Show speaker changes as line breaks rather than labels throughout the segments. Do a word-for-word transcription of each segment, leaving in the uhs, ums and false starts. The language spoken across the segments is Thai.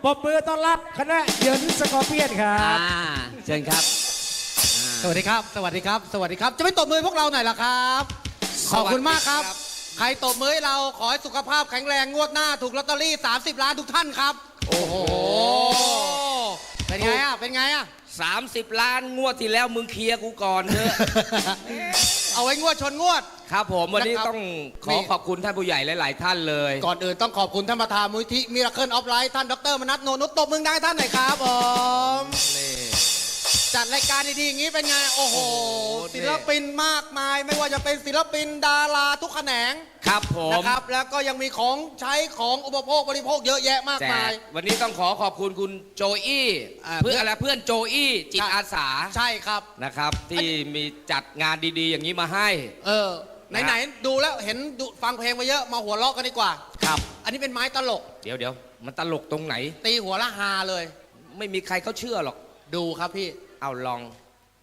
ปรบมือต้อนรับคณะเหยินสกอร์เปียนครับ
อ่าเชิญครับ
สวัสดีครับ สวัสดีครับ สวัสดีครับ จะไม่ตบมือพวกเราหน่อยล่ะครับ ขอบคุณมากครับ ใครตบมือให้เราขอให้สุขภาพแข็งแรงงวดหน้าถูกลอตเตอรี่สามสิบล้านทุกท่านครับ
โอ้โห
เป็นไงอ่ะ เป็นไงอ่ะ
สามสิบล้านงวดที่แล้วมึงเคลียร์กูก่อนเถอะ
เอาไว้งวดชนงวด
ครับผมวันนี้
นะครับ
ต้องขอ
นี่
ขอบคุณท่านผู้ใหญ่หลายๆท่านเลย
ก่อนอื่นต้องขอบคุณท่านประธานมูลที่มิราเคิลออฟไลท์ท่านดรมนัสโนนุตตบมือได้ท่านหน่อยครับผม
นี่
จัดรายการดีๆอย่างนี้เป็นไง โอ้โห
โอ้โห
ศิลปินมากมาย ไม่ว่าจะเป็นศิลปินดาราทุกแขนง
ครับผม
นะครับ แล้วก็ยังมีของใช้ของอุปโภคบริโภคเยอะแยะมาก
แจ
มาก ย
วันนี้ต้องขอขอบคุณคุณโจอี้
อ่า
เพื่อนอะไรเพื่อนโจอี้จิตอาสา
ใช่ครับ
นะครับ ที่มีจัดงานดีๆ อย่างนี้มาให้
เออ ไหนๆดูแล้วเห็นดูฟังเพลงมาเยอะมาหัวเราะกันดีกว่า
ครับ
อันนี้เป็นไม้ตลก
เดี๋ยวเดี๋ยวมันตลกตรงไหน
ตีหัวละฮาเลย
ไม่มีใครเขาเชื่อหรอก
ดูครับพี่
เอาลอง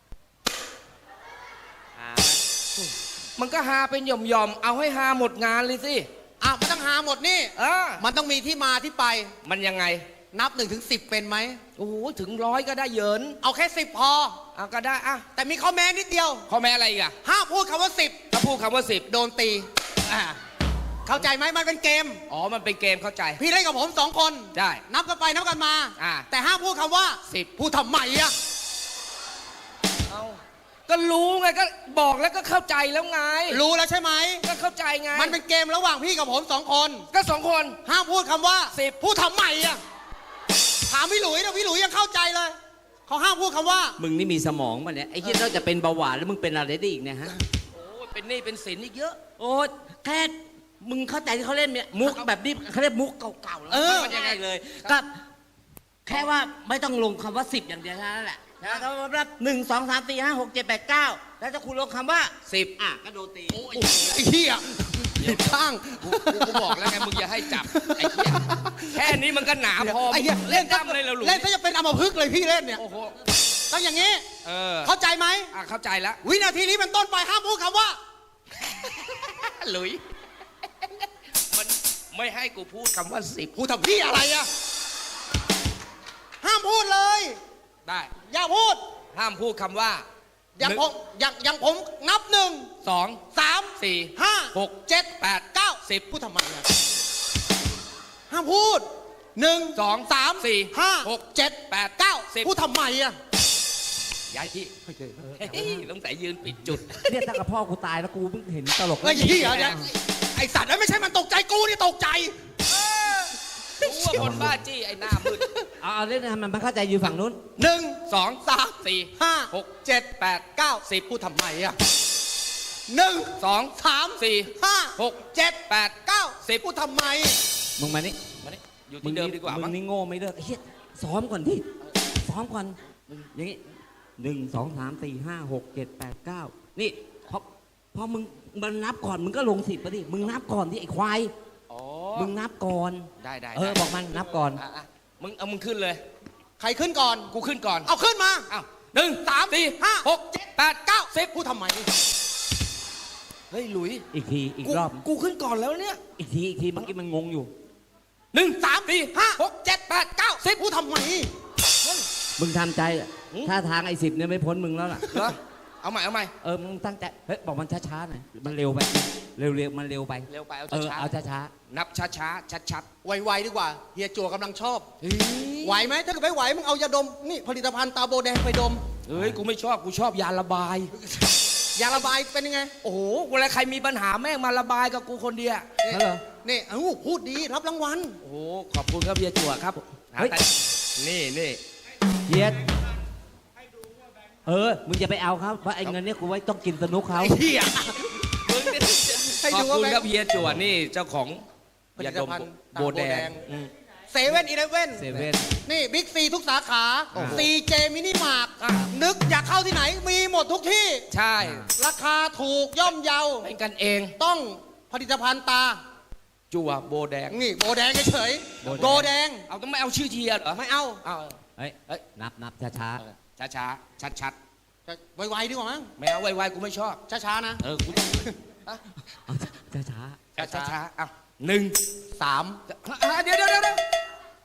หามันก็หาเป็นหย่อมๆ เอาให้หาหมดงานเลยสิ
อ่ะมันต้องหาหมดนี่
เออ
มันต้องมีที่มาที่ไป
มันยังไง
นับหนึ่งถึงสิบเป็นไหม
โอ้โห ถึงร้อยก็ได้เหยิน
เอาแค่สิบพอ
เอาก็ได้อะ
แต่มีข้อแม้นิดเดียว
ข้อแม้อะไรอีกอะ
ห้ามพูดคำว่าสิบ
ถ้าพูดคำว่าสิบ
โดนตีอ่าเข้าใจไหมมันเป็นเกม
อ๋อ มันเป็นเกมเข้าใจ
พี่เล่นกับผมสองคน
ได้
นับกันไปนับกันมา
อ่า
แต่ห้ามพูดคำว่า
สิบ
พูดทำไมอะ
เอาก็รู้ไงก็บอกแล้วก็เข้าใจแล้วไง
รู้แล้วใช่ไหม
ก็เข้าใจไง
มันเป็นเกมระหว่างพี่กับผมสองคน
ก็สองคน
ห้ามพูดคำว่า
สิบ
พูดทำไมอะถามพี่หลุยนะพี่หลุยยังเข้าใจเลยเขาห้ามพูดคำว่า
มึงนี่มีสมองป่ะเนี่ยไอ้เหี้ยนอกจากเป็นเบาหวานแล้วมึงเป็นอะไรได้อีกเนี่ยฮะ
โอ้ยเป็นหนี้เป็นสินอีกเยอะ
โอ้แค่มึงเข้าใจที่เขาเล่นเนี่ยมุกแบบนี้เขาเรียกมุกเก่าๆแล้ว
เออ
มันยังไงเลยก็แค่ว่าไม่ต้องลงคำว่าสิบอย่างเดียวเท่านั้นแหละแล้วถ้ารับหนึ่งสองสามสี่ห้าหกเจ็ดแปดเก้าแล้วถ้าคุณลงคำว่า
สิบ
อ่ะก็โดนตี
ไอ้เหี้ยผิดข้าง
กูกูบอกแล้วไงมึงอย่าให้จับไอ้เหี้ยแค่นี้มันก็หนาพอ
ไอ้เหี้ย
เล่นตั้มเลยเหราหลุย
เล่นซะจะเป็นอัมพฤกษ์เลยพี่เล่นเนี่ย
โอ้โห
ต้องอย่างนี้
เออ
เข้าใจไหม
อ่ะเข้าใจแล้ว
วินาทีนี้เป็นต้นไปห้ามพูดคำว่า
หลุย มันไม่ให้กูพูดคำว่าสิบ
พูดทำพี่อะไรอะห้ามพูดเลย
ได้
อย่าพูด
ห้ามพูดคำว่า
อย่าง
หนึ่ง
ผมอย่างอย่างผมนับหนึ่ง
สอง
สาม
สี่
ห้า
หก
เจ็ด
แปด
เก้า
สิบ
พูดทำไมอะห้ามพูดหนึ่ง
สอง
สาม
สี่
ห้า
หก
เจ็ด
แปด
เก้า
สิบ
พูดทำไมอะ
ย้ายที่เฮ้ยต้องแต่ยืนปิดจุด
เนี่ยถ้ากับพ่อกูตายแล้วกูเพิ่งเห็นตลก
ไอ้เหี้ยเนี่ยไอสัตว์นั้นไม่ใช่มันตกใจกูนี่ตกใจ
รู้ว่าคนบ้าจี้ไอ้หน้ามืด
เอาเอาเล่นให้มันไม่เข้าใจอยู่ฝั่งนู้น
หนึ่ง
สอง
สาม
สี่
ห้า
หก
เจ็ด
แปด
เก้า
สิบ
พูดทำไมอะหนึ่ง
สอง
สาม
สี่
ห้า
หก
เจ็ด
แปด
เก้า
สิบ
พูดทำไม
มึงมานี่
มานี่อยู่
มึ
ที่
ง
เดิมดีกว่า
มึ
มั้ง
งนี่โง่ไม่เลิกไอ้เหี้ยซ้อมก่อนดิซ้อมก่อนอย่างงี้หนึ่งสองสามสี่ห้าหกเจ็ดแปดเก้านี่พอพอมึงมันนับก่อนมึงก็ลงสิบไปดิมึงนับก่อนที่ไอ้ควาย
อ๋อ
มึงนับก่อน
ได้ได้
เออ
ได้
บอกมันนับก่อน
อ่ะอ่ะมึงเอามึงขึ้นเลย
ใครขึ้นก่อน
กูขึ้นก่อน
เอาขึ้นมา
อ้าวหนึ่ง
สาม
สี่
ห้า
หกเจ็ดแปดเก้าสิบ
พูดทำไม
เฮ้ยหลุย
อีกทีอีก
กู
รอบ
กูขึ้นก่อนแล้วเนี่ย
อีกทีอีกทีเมื่อกี้มันงงอยู่
หนึ่งสามสี่
ห้า
หกเจ็ดแปดเก้าสิบ
พูดทำไม
มึงทำใจอะ
หืม
ถ้าทางไอ้สิบเนี่ยไม่พ้นมึงแล้วล่ะ
เหรอเอาใหม่เอาใหม่
เออมึงตั้งใจเฮ้ยบอกมันช้าๆหน่อยมันเร็วไปเร็วๆมันเร็วไป
เร็วไปเอา
เออ
ช้า
เอาช้า
ๆนับช้าช้าชัดชัด
ไวๆดีกว่าเฮียจั่วกำลังชอบ
ๆเฮ้ย
ไหวไหมถ้าเกิดไม่ไหวมึงเอายาดมนี่ผลิตภัณฑ์ตาโบแดงไปดม
เฮ้ยกูไม่ชอบกูชอบยาระบาย
ยาระบายเป็นยังไง
โอ้โหเวลาใครมีปัญหาแม่งมาระบายกับกูคนเดียว
ๆนั่นเหรอ
นี่เอ้าพูดดีรับรางวัล
โอ้โหขอบคุณครับเบียร์จั่วครับ
เฮ้ย
แต่นี่นี่
เฮียดเออมึงอย่าไปเอาครับเพราะไอ้เงินเนี่ยกูไว้ต้องกินสนุกเขา
ไอ้เหี้ย
มึงนี่
ให้
ขอบ
ดูว่า
คุณ
แบงค์
ครับเฮียจั่วนี่เจ้าของ
ผลิ
ยา
ต
ดม
ภัณฑ์
โบแด
ตาโบแด
ง
ง
อืม
เซเว่นอีเลฟเว่น
เซเว่น
นี่บิ๊กซีทุกสาขา
โอ้โห
ซีเจมินิมาร์ท
อ่ะ
นึกอยากเข้าที่ไหนมีหมดทุกที่
ใช่
ราคาถูกย่อมเยา
เป็นกันเอง
ต้องผลิตภัณฑ์ตา
จั่วโบแดง
นี่โบแดงเฉยๆโบแดง
เอาต้องไม่เอาชื่อเชียร์เหรอ
ไม่เอา
เอา
เฮ้ย
เฮ้ย
นับนับช้า
ช้าช้าชัดชัด
จะไวๆดีกว่ามั้ง
ๆไม่เอาไวๆกูไม่ชอบ
ช้าๆนะ
เออกูต้อง
ๆเอาช้า
ช้าช้าช้าๆอ่ะหนึ่ง
สาม
อ่ะเดี๋ยวเดี๋ยวเดี๋ยว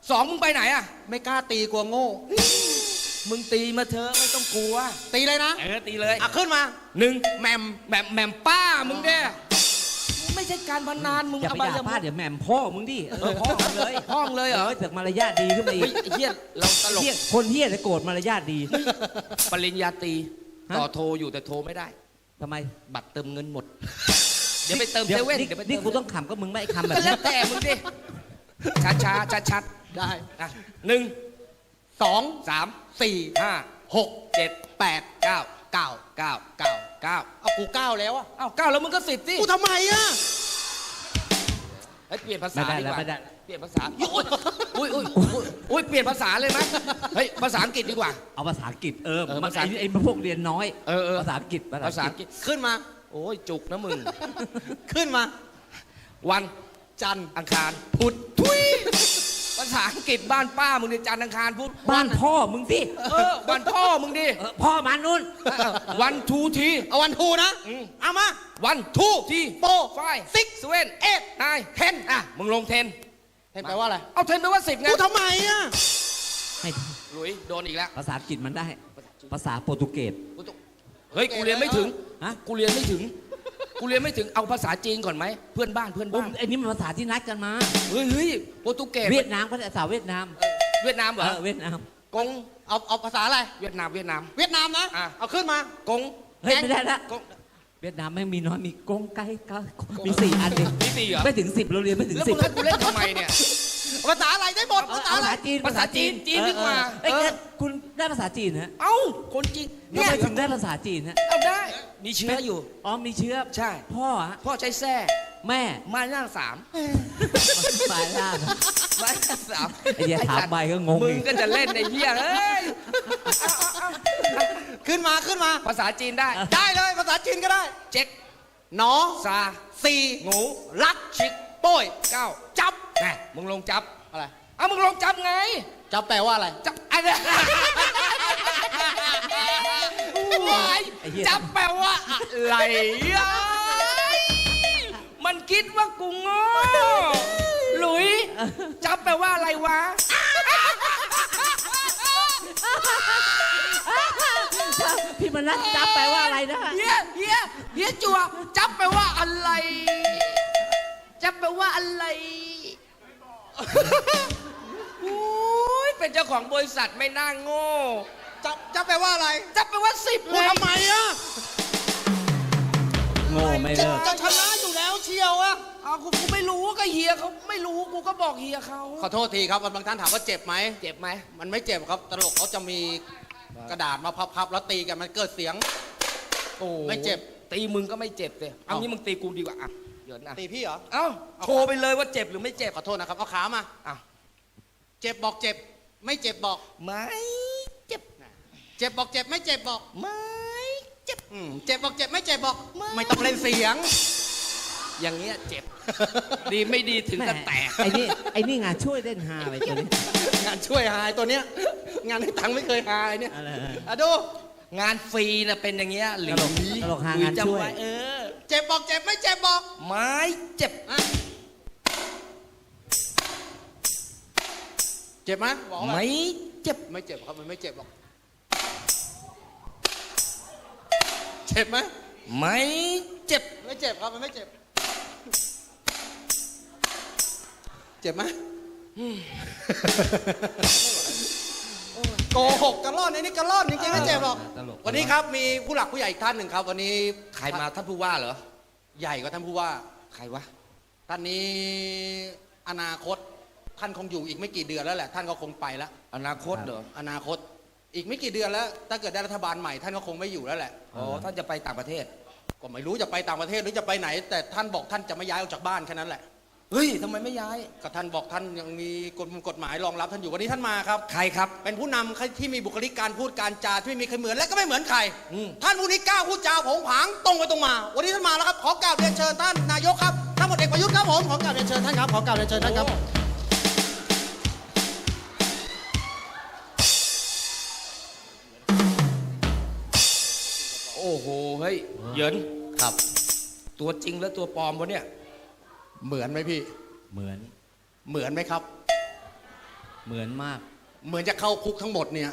สองมึงไปไหนอ่ะ
ไม่กล้าตีกลัวโง่
มึงตีมาเถอะไม่ต้องกลัว
ตีเลยนะ
เออตีเลย
อ่ะขึ้นมา
หนึ่ง
แหมม
แหม่มแหม่มป้ามึงเนี่ยไม่ใช่การพนันมึง
อย่าไปด่า
อย่
ป้าเดี๋ยวแหม่มพ่อมึงดิเออพ่อมึงเลย
ห้องเลยเหรอ
เจากมารยาทดีขึ้นมาอี
เฮ้ย
ก
ไอ้เฮียเราตลก
เหี้ยคนเฮี้ยจะโกรธมารยาทดี
ปริญญาตรี
ฮะ
ต่อโทรอยู่แต่โทรไม่ได้
ทำไม
บัตรเติมเงินหมด เดี๋ยวไปเติม
เดี๋
เซ
ยว
เว่น
นี่
เดี๋ยวไปเติม
นี่กูต้องขำก็มึงไม่ไอ้คำแบบ
ก็แล้
นี้
วแต่มึงดิช้าช้าชัดชัด
ได้
ๆอ่ะหนึ่ง
สอง
สาม
สี่
ห้า
หก
เจ็ด
แปด
เก้า
เก้า
เก้า
เก้า
เก้า
เอากูเก้าแล้วอะ
อ้าวเก้าแล้วมึงก็สิบสิ
กูทำไมอะ
เฮ้ยเปลี่ยนภาษา
ไม่ได้
ดี
แล้ว
กว่า
ไม่ได้
เปลี่ยนภาษาอุ้ยอุ้ยอุ้ยอุ้ยอุ้ยเปลี่ยนภาษาเลยไหมเฮ้ยภาษาอังกฤษดีกว่า
เอาภาษาอังกฤษเออ
เออ
มัน
ภาษา
ไอ้ไอ้พวกเรียนน้อย
เออเออ
ภาษาอังกฤษ
ภาษาอังกฤษ
ขึ้นมา
โอ้ยจุกนะมึง
ขึ้นมา
วัน
จันทร์
อังคารพุธทุยภาษาอังกฤษบ้านป้ามึงเนี่ยจันทร์อังคารพุธ
บ้านพ่อมึงสิ
เออวันพ่อมึงดิ
เออพ่อมันนู่น
วันทูที
เอาวันทูนะ
อืม
เอามา
วันทูที
โฟ
ไฟ
ซิก
สเวนเอ็ดนายเทนอ่ะมึงลงเทน
เห็นแปลว่าอะไร
เอาเทนแปลว่าสิบไง
กูทำไมอะ
ไม่
หลุยโดนอีกแล้ว
ภาษาอังกฤษมันได้ ภาษาโปรตุเกส
กูต้องเฮ้ยกูเรียนไม่ถึง
ฮะ
กูเรียนไม่ถึงกูเรียนไม่ถึงเอาภาษาจีนก่อนไหมเพื่อนบ้านเพื่อน
โอ้
บ้าน
ไอ้นี่มันภาษาที่นัดกันมา
เฮ้ยเฮ้ยโปรตุเกส
เวียดนามภาษาเวียดนาม
เวียดนามเหร
เอ
อ
อเวียดนาม
กง
เอาเอาภาษาอะไร
เวียดนามเวียดนาม
เวียดนามนะ
อ่ะ
เอาขึ้นมา
กง
เฮ้ยไม่ได้ละ
กง
เวียดนามไม่งมีน้อยมีกงไก่ก็มีสี่อันเอง
มีสี่เหรอ
ไม่ถึงสิบเราเรียนไม่ถึง
แล้ว
สิ
มึ
บ
งให้กูเล่นทำไมเนี่ย
ภาษาอะไรได้หมด
เออ
ภาษา
เอา
อะไร
ภาษาจีน
ภาษาจีนจีนดีกว่า
เออเออเอ้ย
เออ
งั้นคุณได้ภาษาจีนฮะ
เอ้าคนจีน
ทำไมถึงได้ภาษาจีนฮะ
เอาได้ มีเชื้ออยู่
อ๋อมีเชื้อ
ใช่
พ่อฮะ
พ่อใช้แส้
แม่
มาหน้าสาม
สายล่าง
มาหน้าสาม
ไอ้เหี้ยถามไปก็งง
มึง
อีก
ก็จะเล่นในเหี้ยเอ้ย
ขึ้นมาขึ้นมา
ภาษาจีนได้
ได้เลยภาษาจีนก็ได้
เจ๊ก
หนอ
ซา
สี่
งู
รัก
ชิก
โป้ย
เก้า
จับ
แน่มึงลงจับ
อะไร
เอามึงลงจับไง
จับแปลว่าอะไร
จับอะไรวาย
ไอ้เหี้ย
จับแปลว่าอะไรอ่ะมันคิดว่ากูโง่หลุย จับแปลว่าอะไรวะ
พี่มนัสจับแปลว่าอะไรนะ
เฮียเฮียเฮียจัวจับแปลว่าอะไร จับแปลว่าอะไรโอ้ยเป็นเจ้าของบริษัทไม่น่าโง่
จับจับแปลว่าอะไร
จับแปลว่าสิบ
กูทำไมอะ
โง่ไม่เลิก
จะชนะอยู่แล้วเชียวอะ
เอากูกูไม่รู้ก็เฮียเขาไม่รู้กูก็บอกเฮียเขา
ขอโทษทีครับบางท่านถามว่าเจ็บไหม
เจ็บไหม
มันไม่เจ็บครับตลกเขาจะมีกระดาษมาพับๆแล้วตีกันมันเกิดเสียง
โอ้
ไม่เจ็บ
ตีมึงก็ไม่เจ็บเลยเอา
เอ้า
งี้มึงตีกูดีกว่าอ่ะเดี๋ยวนะ
ตีพี่เหรอ
เอ้าโชว์ไปเลยว่าเจ็บหรือไม่เจ็บ
ขอโทษนะครับเอาขามา
อ่ะ
เจ็บบอกเจ็บ ไม่เจ็บบอก
ไม่เจ็บ
เจ็บบอกเจ็บไม่เจ็บบอก
ไม่เจ็บ
อืมเจ็บบอกเจ็บไม่เจ็บบอก
ไม่
ไม่ต้องเล่นเสียง
อย่างเงี้ยเจ็บ ดีไม่ดีถึงกับแตก
ไอ้นี่ไอ้นี่งานช่วยเล่นฮาไปตัวนี้
งานช่วยหายตัวเนี้ย งานให้ตังค์ไม่เคยหายเนี่ย
อะไร
อ่ะดู
งานฟรีน่ะเป็นอย่างเงี้ยหรือ
ตลกตลกหางานช่วย
จำไเออ
เจ็บบอกเจ็บไม่เจ็บบอก
ไม่เจ็บ
อ่ะเจ็บไหมบอกว่า
ไม่เจ็บ
ไม่เจ็บครับมันไม่เจ็บหรอก เจ็บไหม
ไม่เจ็บ
ไม่เจ็บครับมันไม่เจ็บ เจ็บไหมโกหกกระล่อนไอ้นี่กระล่อนจริงๆไม่เจ็บหรอก
ตลก
วันนี้ครับมีผู้หลักผู้ใหญ่อีกท่านหนึ่งครับ วันนี้
ใครมาท่านผู้ว่าเหรอ
ใหญ่กว่าท่านผู้ว่า
ใครวะ
ท่านนี้อนาคตท่านคงอยู่อีกไม่กี่เดือนแล้วแหละท่านก็คงไปแล้ว
อนาคตเหรอ
อนาคตอีกไม่กี่เดือนแล้ว ถ้าเกิดได้รัฐบาลใหม่ท่านก็คงไม่อยู่แล้วแหละ
อ๋อท่านจะไปต่างประเทศ
ก็ไม่รู้จะไปต่างประเทศหรือจะไปไหน แต่ท่านบอกท่านจะไม่ย้ายออกจากบ้านแค่นั้นแหละ
เฮ้ยทำไมไม่ย้าย
ก็ท่านบอกท่านยังมีกฎกฎหมายรองรับท่านอยู่วันนี้ท่านมาครับ
ใครครับ
เป็นผู้นำที่มีบุคลิกการพูดการจาที่ไม่มีใครเหมือนและก็ไม่เหมือนใคร
อืม
ท่านผู้นี้กล้าพูดจาโผงผางตรงไปตรงมา วันนี้ท่านมาแล้วครับขอกราบเรียนเชิญท่านนายกครับท่านพลเอกประยุทธ์ครับผมขอกราบเรียนเชิญท่านครับขอกราบเรียนเชิญท่านครับ
โอ้โหเฮ้ยเหยิน
ครับ
ตัวจริงและตัวปลอมวะเนี่ย
เหมือนไหมพี่
เหมือน
เหมือนไหมครับ
เหมือนมาก
เหมือนจะเข้าคุกทั้งหมดเนี่ย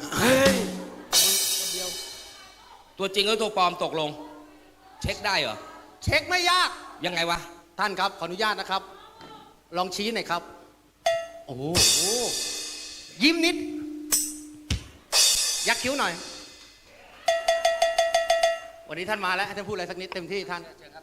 ตัวจริงกับตัวปลอมตกลง เช็คได้เหรอ
เช็คไม่ยาก
ยังไงวะ
ท่านครับขออนุญาตนะครับ ลองชี้หน่อยครับ โอ้โหยิ้มนิด ยักคิ้วหน่อย วันนี้ท่านมาแล้วให้ท่านพูดอะไรสักนิดเต็มที่ท่าน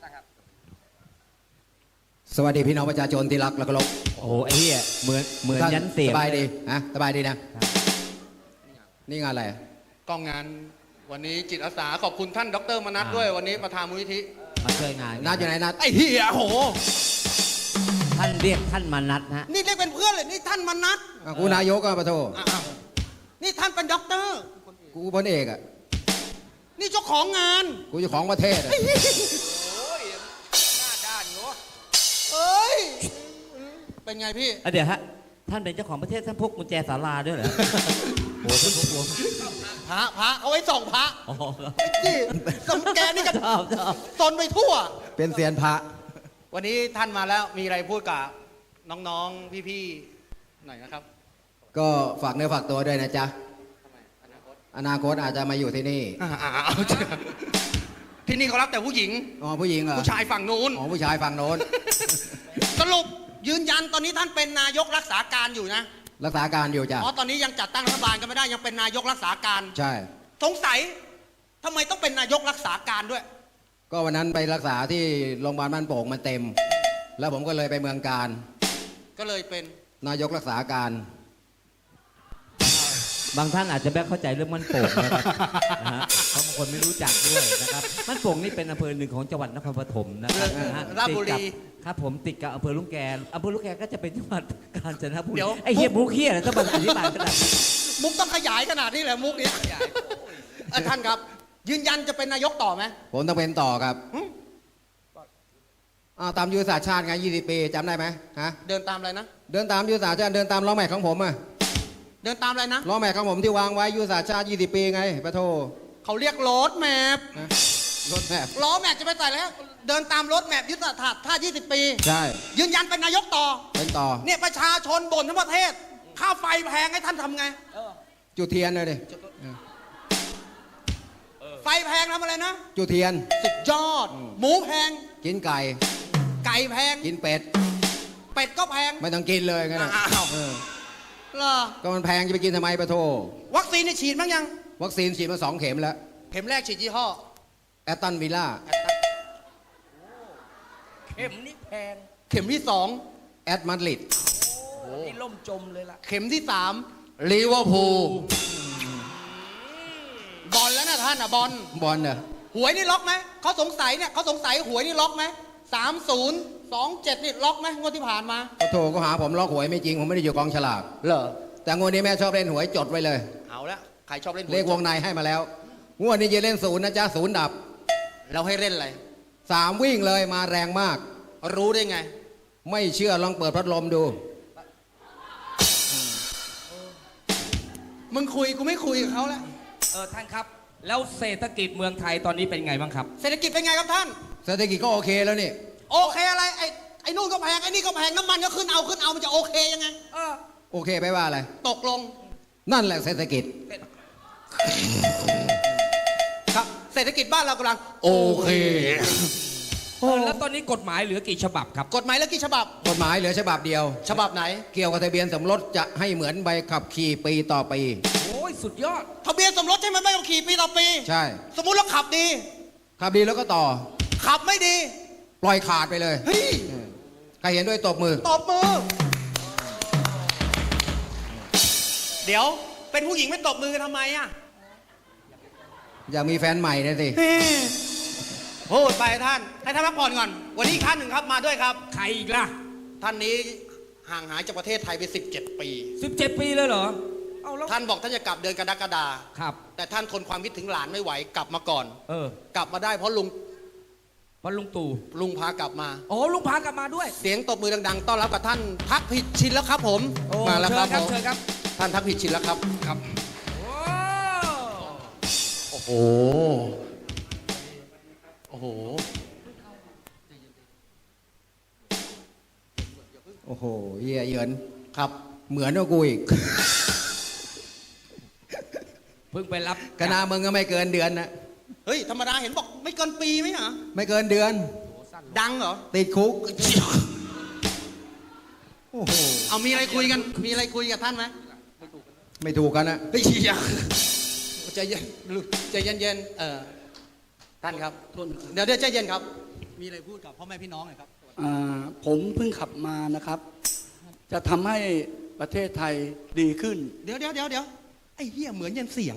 สวัสดีพี่น้องประชาชนที่รักและเคารพ
โอ้โหไอ้เหี้ยเหมือนเหมือน
ท่า
ยันเสียง
สบายดีฮะสบายดีนะ นี่งานอะไร
กองงานวันนี้จิตอาสาขอบคุณท่านดรมนัสด้วยวันนี้ประธานมูลนิธิ
มาช่วยงาน
นัดอยู่ไหนนัด
ไอ้เหี้ยโห
ท่านเรียกท่านมานัดฮะ
นี่เรียกเป็นเพื่อนเลยนี่ท่านมนัส
อ่ะกูนายกอ่ะปะโท
อ้าวนี่ท่านเป็นด็อกเตอร์
กูพลเอกอ่ะ
นี่เจ้าของงาน
กูเจ้าของประเทศอ่ะ
โอ้ย หน้าด้านเนาะ
เอ้ยเป็นไงพี่
เดี๋ยวฮะ ท่านเป็นเจ้าของประเทศท่านพกกุญแจศาลาด้วยเหรอ โอ้โหท่านพกพวง
พระพระเอาไว้ส่องพระ
อ๋อครับ
ไอ้ที่สมแกนี่ก็
ชอบชอบ
ตนไปทั่ว
เป็นเซียนพระ
วันนี้ท่านมาแล้วมีอะไรพูดกับน้องๆพี่ๆหน่อยนะครับ
ก็ฝากเนื้อฝากตัวด้วยนะจ๊ะ อนาคตอาจจะมาอยู่ที่นี่
อ่าๆเอาเถอะที่นี่เขารับแต่ผู้หญิง
อ๋อผู้หญิงเหรอ
ผู้ชายฝั่งนู้น
อ๋อผู้ชายฝั่งโน้น
สรุปยืนยันตอนนี้ท่านเป็นนายกรักษาการอยู่นะ
รักษาการอยู่จ้ะ
อ๋อตอนนี้ยังจัดตั้งรัฐบาลกันไม่ได้ยังเป็นนายกรักษาการ
ใช่
สงสัยทำไมต้องเป็นนายกรักษาการด้วย
ก็วันนั้นไปรักษาที่โรงพยาบาลบ้านโป่งมันเต็ม แล้วผมก็เลยไปเมืองการ
ก็เลยเป็น
นายกรักษาการ
บางท่านอาจจะไม่เข้าใจเรื่องมันโป่งนะครับ นะฮะเพราะบางคนไม่รู้จักด้วยนะครับมันโป่งนี่เป็นอำเภอหนึ่งของจังหวัดนครปฐมนะครับนะฮะ
ราชบุรี
ติดกับครับผมติดกับอำเภอลุงแกอำเภอลุงแกก็จะเป็นจังหวัดกาญจนบุรี
เดี๋ยว
ไอ้เฮียบุกเฮียอะไรต้องมาอธิบายขนาดนี้
มุกต้องขยายขนาดนี้เลยมุกเนี้ยเอ่อท่านครับ ยืนยันจะเป็นนายกต่อไหม
ผมต้องเป็นต่อครับ
หึ
อ้าวตามยุทธศาสตร์ชาติไงยี่สิบปีจำได้ไหมฮะ
เดินตามอะไรนะ
เดินตามยุทธศาสตร์ชาติเดินตามล้อแม็กของผมอะ
เดินตามอะไรนะ
ล้อแม็กของผมที่วางไว้ยุทธศาสตร์ชาติยี่สิบปีไงปะโท
เขาเรียกรถแมพ
นะรถแมพ
ล้อแมพจะไปใส่แล้ว เดินตามรถแมพยุทธศาสตร์ท่ายี่สิบปี
ใช่
ยืนยันเป็นนายกต่อ
เป็นต่อ
เนี่ยประชาชนบ่นทั้งประเทศ ค่าไฟแพงให้ท่านทำไง
จุดเทียนเลยดิ
ไฟแพงทำอะไรนะ
จุดเทียน
สุดยอด หมูแพง
กินไก่
ไก่แพง
กินเป็ด
เป็ดก็แพง
ไม่ต้องกินเลยงั้นน่ะ
อ้าว
เออ
เหรอ
ก็มันแพงจะไปกินทำไมปะโท
วัคซีนนี่ฉีดบ้างยัง
วัคซีนฉีดมาสองเข็มแล้ว
เข็มแรกฉีดยี่ห้อ
แอตตันวิลล่า
เข็มนี่แพง
เข็มที่สอง
แอตมาดริด
โอ้นี่ล่มจมเลยล่ะ
เข็มที่สาม
ลิเวอร์พูล
บอลแล้วนะท่านอ่ะบอล
บอลเนอะ
หวยนี่ล็อกไหม เขาสงสัยเนี่ยเขาสงสัยหวยนี่ล็อกไหมสามศูนย์สองเจ็ดนี่ล็อกไหมงวดที่ผ่านมา
ปะโทก็หาผมล็อกหวยไม่จริง ผมไม่ได้อยู่กองฉลาก
เหรอ
แต่งวดนี้แม่ชอบเล่นหวยจดไว้เลย
เอาละใครชอบเล่นหวย
เลขวงในให้มาแล้ว งวดนี้จะเล่นศูนย์นะจ๊ะศูนย์ดับ
เราให้เล่นอะไร
สามวิ่งเลยมาแรงมาก
รู้ได้ไง
ไม่เชื่อลองเปิดพัดลมดู
มึงคุยกูไม่คุยกับเขาแล้ว
เออท่านครับ แล้วเศรษฐกิจเมืองไทยตอนนี้เป็นไงบ้างครับ
เศรษฐกิจเป็นไงครับท่าน
เศรษฐกิจก็โอเคแล้วนี่
โอเคอะไร ไอ้ไอ้นู่นก็แพง ไอ้นี่ก็แพง น้ำมันก็ขึ้นเอาขึ้นเอามันจะโอเคยังไง
เออ
โอเคไปว่าอะไร
ตกลง
นั่นแหละเศรษฐกิจ
ครับ เศรษฐกิจบ้านเรากำลัง โอเค
เออแล้วตอนนี้กฎหมายเหลือกี่ฉบับครับ
กฎหมายแล้วกี่ฉบับ
กฎหมายเหลือฉบับเดียว
ฉบับไหน
เกี่ยวกับทะเบียนสมรสจะให้เหมือนใบขับขี่ปีต่อปี
โอ้ยสุดยอด
ทะเบียนสมรสใช่ไหมไม่ต้องขี่ปีต่อปี
ใช่
สมมุติเราขับดี
ขับดีแล้วก็ต่อ
ขับไม่ดี
ปล่อยขาดไปเลย
เฮ้ย
เออใครเห็นด้วยตบมือ
ตบมือ เดี๋ยว เป็นผู้หญิงไม่ตบมือกันทำไมอ่ะ
อยากมีแฟนใหม่นะสิ
พูดไปท่าน ให้ท่านพักผ่อนก่อน วันนี้อีกท่านหนึ่งครับมาด้วยครับ
ใครอีกล่ะ
ท่านนี้ห่างหายจากประเทศไทยไปสิบเจ็ดปี
สิบเจ็ดปีเลยเหรอ เอาแล้ว
ท่านบอกท่านจะกลับเดือนกรกฎา
ครับ
แต่ท่านทนความคิดถึงหลานไม่ไหวกลับมาก่อน
เออ
กลับมาได้เพราะลุง
วันลุงตู่
ลุงพากลับมา
โอ้ลุงพากลับมาด้วย
เสียงตบมือดังๆต้อนรับกับท่านทักผิดชินแล้วครับผม
โอ้
มาแล้วครับ
เชิญครับ
ผม
เชิญครับ
ท่านทักผิดชินแล้วครับครับ
โอ้
โอ้โห โอ้โห
โอ้โหเหี้ยเหยิน
ครับ
เหมือนกับกูอีก
เพิ่งไปรับ
คณะมึงก็ไม่เกินเดือนนะ
เฮ้ยธรรมดาเห็นบอกไม่เกินปีไหมเหรอ
ไม่เกินเดือน
ดังเหรอ
ติดคุก
โอ้โหเอามีอะไรคุยกันมีอะไรคุยกับท่านไหม
ไม่ถูกกันนะ
เฮ้ยอย่าใจเย็นใจเย็นๆเออท่านครับเดี๋ยวเดี๋ยวใจเย็นครับ มีอะไรพูดกับพ่อแม่พี่น้องหน่อยครับ
อ่าผมเพิ่งขับมานะครับ จะทำให้ประเทศไทยดีขึ้น
เดี๋ยวเดี๋ยวเดี๋ยวเดี๋ยวไอ้เหี้ยเหมือนยันเสียง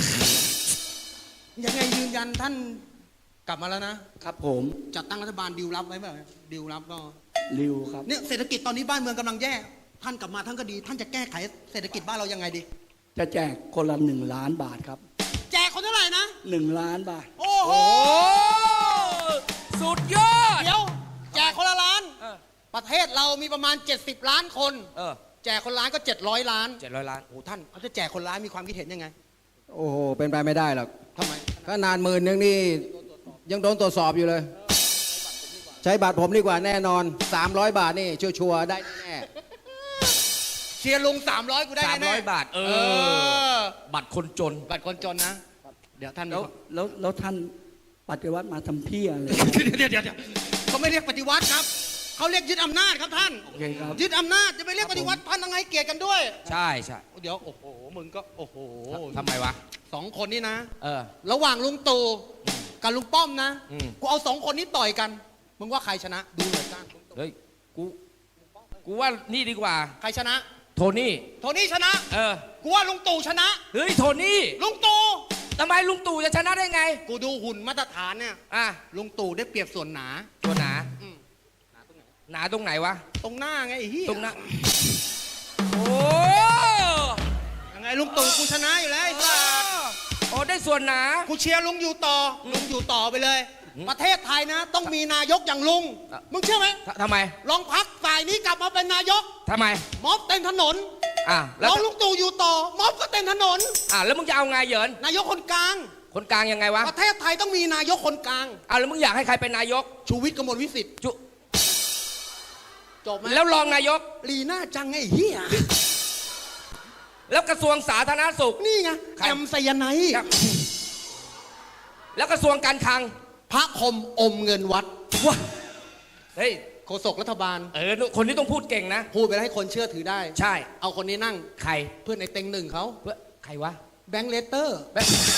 ยังไงยืนยันท่านกลับมาแล้วนะครับ
ผม
จัดตั้งรัฐบาลดิวรับไว้แบบดิวรับก็
ริวครับ
เนี่ยเศรษฐกิจตอนนี้บ้านเมืองกำลังแย่ท่านกลับมาท่านก็ดี ท่านจะแก้ไขเศรษฐกิจบ้านเรายังไงดี
จะแจกคนละหนึ่งล้านบาทครับ
แจกคนเท่าไหร่นะ
หนึ่งล้านบาท
โอ้โห
โอ้สุดยอด
เดี๋ยวแจกคนละล้าน
เออ
ประเทศเรามีประมาณ เจ็ดสิบ ล้านคน
เออ
แจกคนล้านก็ เจ็ดร้อย ล้าน
เจ็ดร้อยล้าน
โอ้ท่านเขาจะแจกคนล้านมีความคิดเห็นยังไง
โอ้โห เป็นไปไม่ได้หรอก
ทำไม
ก็นานหมื่นนึงนี่ยังโดนตรวจสอบอยู่เลย ใช้บัตรผมดีกว่าแน่นอน สามร้อย บาทนี่ชัวร์ๆได้แน่
เชียร์ลุงสามร้อยกูได้
สาม
แน่
ร้อยบาท เอ
เอ
อ
อ
บัตรคนจน
บัตรคนจนนะ เดี๋ยวท่าน
แล้วแล้วแล้วท่านปฏิวัติมาทำเพี้ยอะไร
เดี๋ยวเดี๋ยวเดี๋ยวเขาไม่เรียกปฏิวัติครับเขาเรียกยึดอำนาจครับท่าน
โอเคครับ
ยึดอำนาจจะไปเรียกปฏิวัติท่านยังไงเกลียดกันด้วย
ใช่ใช่
เดี๋ยวโอ้โหมึงก็โอ้โห
ทำไมวะ
สองคนนี้นะ
เออ
ระหว่างลุงตู่กับลุงป้อมนะ
อืม
กูเอาสองคนนี้ต่อยกัน มึงว่าใครชนะ ดูหน่อยจ้า
เฮ้ย กู กูว่านี่ดีกว่า
ใครชนะ
โทนี่
โทนี่ชนะ
เออ
กูว่าลุงตู่ชนะ
เฮ้ย โทนี่
ลุงตู่
ทำไมลุงตู่จะชนะได้ไง
กูดูหุ่นมาตรฐานเนี่ย
อ่ะ
ลุงตู่ได้เปรียบส่วนหนา
ตัวหนา
อืม
หนาตรงไหนวะ
ตรงหน้าไงไอ้เหี้ย
ตรงหน้า โอ้
ยังไงลุงตู่กูชนะอยู่แล้วไอ้สัส
โอ้ได้ส่วนหนา
กูเชียร์ลุงอยู่ต่ออลุงอยู่ต่อไปเลย
อืม
ประเทศไทยนะ ต้องมีนายกอย่างลุง
อ่ะ
มึงเชื่อไหม
ททำไม
ลองพักฝ่ายนี้กลับมาเป็นนายก
ทำไม
ม็อบเต็มถนน
อ่ะ
ล
แล้ว
องลุงตู่อยู่ต่อ ม็อบก็เต็มถนน
อ่ะแล้วมึงจะเอาไงเหยิน
นายกคนกลาง
คนกลางยังไงวะ
ประเทศไทยต้องมีนายกคนกลาง
อ่ะแล้วมึงอยากให้ใครเป็นนายก
ชูวิทย์กมลวิสิทธิ์
จุ
จบไหม
แล้วรองนายก
ลีน่าจังไอ้เหี้ย
แล้วกระทรวงสาธารณสุข
นี่ไง
ใคร
แอมไซยาไนด์
ครับ แล้วกระทรวงการคลัง
พระคมอมเงินวัด
ว้าเฮ้ย
โฆษกรัฐบาล
เออ คนนี้ต้องพูดเก่งนะ
พูดไปแล้วให้คนเชื่อถือได้
ใช่
เอาคนนี้นั่ง
ใคร
เพื่อนในเต็งหนึ่งเขา
เพื่อใครวะ
แบงค์เลเตอร์
แบบ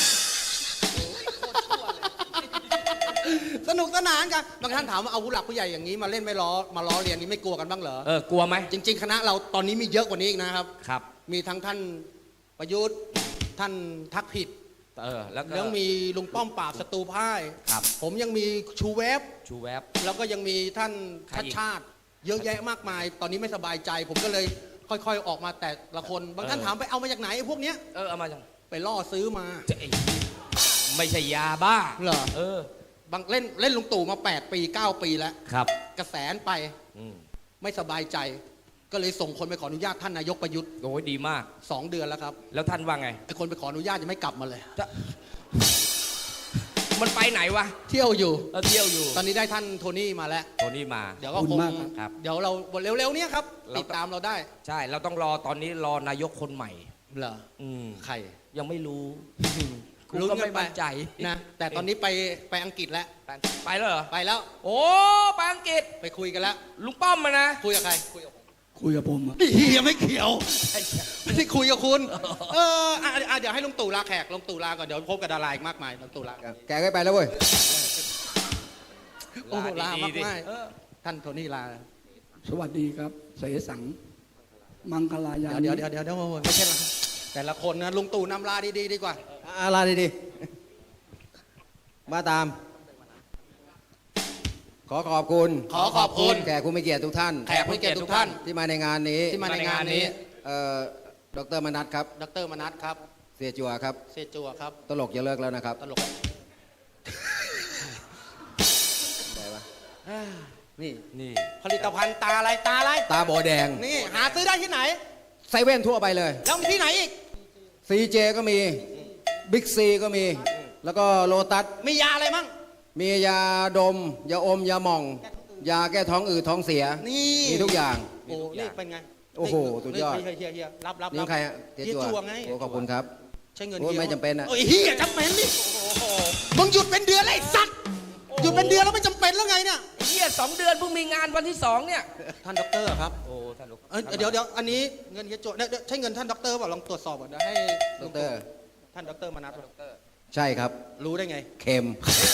สนุกสนานกันบางท่านถามว่าเอาผู้หลักผู้ใหญ่อย่างนี้มาเล่นไม่ล้อมาล้อเรียนนี้ไม่กลัวกันบ้างเหรอ
เออ กลัวไหม
จริง ๆ คณะเราตอนนี้มีเยอะกว่านี้อีกนะครับ
ครับ
มีทั้งท่านประยุทธ์ท่านทักผิด
เออ แล้วก็
ยังมีลุงป้อมปราบศัตรูพ่าย
ครับ
ผมยังมีชูเวฟ
ชูแวบ
แล้วก็ยังมีท่าน
ใคร
ชัด
อีก
ชาติ เยอะแยะมากมาย ตอนนี้ไม่สบายใจ ผมก็เลยค่อยๆออกมาแต่ละคน บางท่าน
เออ
ถามไปเอามาจากไหนไอ้พวกเนี้ย
เออ เอามาจัง
ไปล่อซื้อมา
จะไอ้ไม่ใช่ยาบ้า
เหรอ
เออ
บางเล่นเล่นลุงตู่มาแปดปีเก้าปีแล้ว
ครับ
กระแสนไป
อืม
ไม่สบายใจ ก็เลยส่งคนไปขออนุญาตท่านนายกประยุทธ์
โอ้ยดีมาก
สองเดือนแล้วครับ
แล้วท่านว่าไง
ไอ้คนไปขออนุญาตยังไม่กลับมาเลย
จะ มันไปไหนวะ
เที่ยวอยู่
เออเที่ยวอยู่
ตอนนี้ได้ท่านโทนี่มาแล้ว
โทนี่มา
เดี๋ยวก็
ขอบคุ
ค
ณ
ง
มากครับ
ครับ
เดี๋ยวเราเร็วๆเนี้ยครับ
เรา
ติดตามเราได้
ใช่ เราต้องรอตอนนี้รอนายกคนใหม่
เหรอ
อืม
ใคร
ยังไม่รู้กู
ลุ้น
ก็
กัน
ไม่
ไป
มั่นใจ
นะแต่ตอนนี้ไปไปอังกฤษแล้ว
ไปไปแล้วเหรอ
ไปแล้ว
โอ้ไปอังกฤษ
ไปคุยกันแล้ว
ลุงป้อมมานะ
คุยกับใครคุยกับผม
คุยกับผมอะ
เฮียไม่เกี่ยวไม่ได้คุยกับคุณ เอออ่ะอ่ะเดี๋ยวให้ลุงตู่ลาแขกลุงตู่ลาก่อนเดี๋ยวพบกับดาราอีกมากมายลุงตู่ลา
แกก็ไปแล้วเว้ย
โอ้โหลามาก
ดีๆ
มาย
เออ
ท่านโทนี่ลา
สวัสดีครับ เสสัง มังคลายา
เดี๋ยว
นิ
เดี๋ยวเดี๋ยวเดี๋ยวไม่ใช่ละแต่ละคนนะลุงตู่นำลาดีๆดีกว่า
อะไรดีๆมาตาม ขอขอบคุณ
ขอขอบคุณ
แขกผู้มีเกียรติทุกท่าน
แขกผู้มีเกียรติทุกท่าน
ที่มาในงานนี้
ที่มาในงานนี้
เอ่อดรมนัสครับ
ดรมนัสครับ
เสียจัวครับ
เซจัวครับ
ตลกอย่าเลิกแล้วนะครับ
ตลก
ได้ปะ
นี่
นี่
ผลิตภัณฑ์ตาอะไรตาอะไร
ตาโบแดง
นี่หาซื้อได้ที่ไหน
ไซเว่นทั่วไปเลย
แล้วมีที่ไหนอีก
ซีเจก็มี บิ๊กซีก็มี แล้วก็โลตัส
มียาอะไรมั่ง
มียาดม ยาอม ยาหม่อง ยาแก้ท้องอืดท้องเสีย
นี่
มีทุกอย่าง
โอ้นี่เป็นไง
โอ้โหสุดยอด
เฮียเฮียเฮียรับรับ
นี่
รับ
ใครอะเจ๊
เฮีย
จัว
จัวไง
โอ้ขอบคุณครับ
ใช้เงิน
โอ้
เฮีย
ไม่จำเป็นอะ
โอ้ยเฮียจำเป็นดิมึงหยุดเป็นเดือนเลยไอ้สัตว์หยุดเป็นเดือนแล้วไม่จำเป็นแล้วไงเนี่ย
ไอ้เหี้ยสองเดือนเพิ่งมีงานวันที่สองเนี่ย
ท่านด็อกเตอร์ครับ
โอ้ท่านลูก
เอ้ยเดี๋ยวเดี๋ยวอันนี้เงินเฮียจัวเนี่ยเดี๋ยวใช่เงินท่านด็อกเตอร์เปล่าลองตรวจสอบก่อนเดี๋ยวให้
ดอกเตอร์
ท่านด็อกเตอร์มานัด
ใช่ครับ
รู้ได้ไง
เค็ม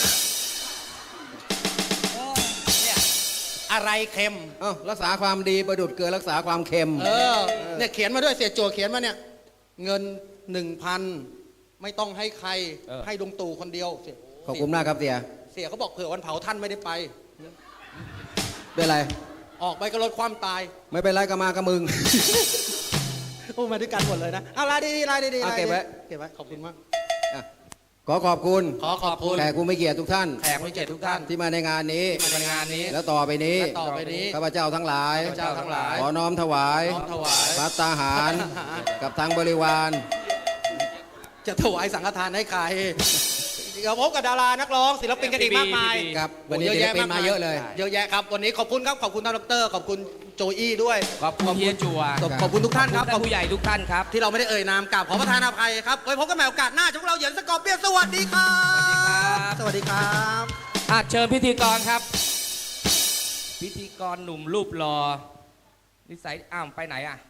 เนี่ย
อะไรเค็ม
เอ้ารักษาความดีประดุดเกลือรักษาความเค็ม
เออเนี่ยเขียนมาด้วยเสียจัวเขียนมาเนี่ยเงินหนึ่งพันไม่ต้องให้ใครให้ดวงตู่คนเดียวเสีย
ขอบคุณมากครับเสีย
เสียเขาบอกเผื่อวันเผาท่านไม่ได้ไป
เป็นไร
ออกไปก็ลดความตาย
ไม่เป็นไรก็มากับมึง
โอ้มาด้วยกันหมดเลยนะเอาลายดีๆลายดีๆ
เอา
ลาย
เก็บไว้
เก็บไว้ขอบคุณมาก
อ่ะขอขอบคุณ
ขอขอบคุณ
แขกผู้ไม่เกียรติทุกท่าน
แขกผู้เกียรติทุกท่าน
ที่มาในงานนี้
ที่มาในงานนี้
แล้วต่อไปนี้
และต่อไปนี้
ข้าพเจ้าทั้งหลาย
ข้าพเจ้าทั้งหลาย
ขอน้อมถวาย
น้อมถวาย
พัตตาหาร
ภัตตาหาร
กับทางบริวาร
จะถวายสังฆทานให้ใครเดี๋ยวพบกับดารานักร้องศิลปินกันอีกมากมาย
ครับวันนี้ศิลปินมาเยอะเลย
เยอะแยะครับวันนี้ขอบคุณครับขอบคุณท่านดรขอบคุณโจอี้ด้วย
ขอบคุณเฮียจัว
ขอบขอบคุณทุกท่านครับ
ขอบคุณผู้ใหญ่ทุกท่านครับ
ที่เราไม่ได้เอ่ยนามกราบขอประทานอภัยครับไว้พบกันใหม่โอกาสหน้าช่องเราเหยินสกอร์เปียนสวัสดีครับสวัสดีครับ
อ่ะเชิญพิธีกรครับ พิธีกรหนุ่มรูปหล่อนิสัยอ้าวไปไหนอ่ะ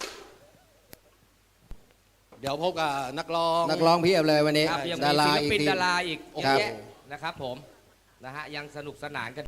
เดี๋ยวพบกับนักร้อง
นักร้องเพียบเลยวันนี้
ครับยัง
ดา
มี
รา
ศิล
อีก
ปิน
ที
ดาราอีกเย
ครั
อะ
บ
แยะนะครับผมนะฮะยังสนุกสนานกัน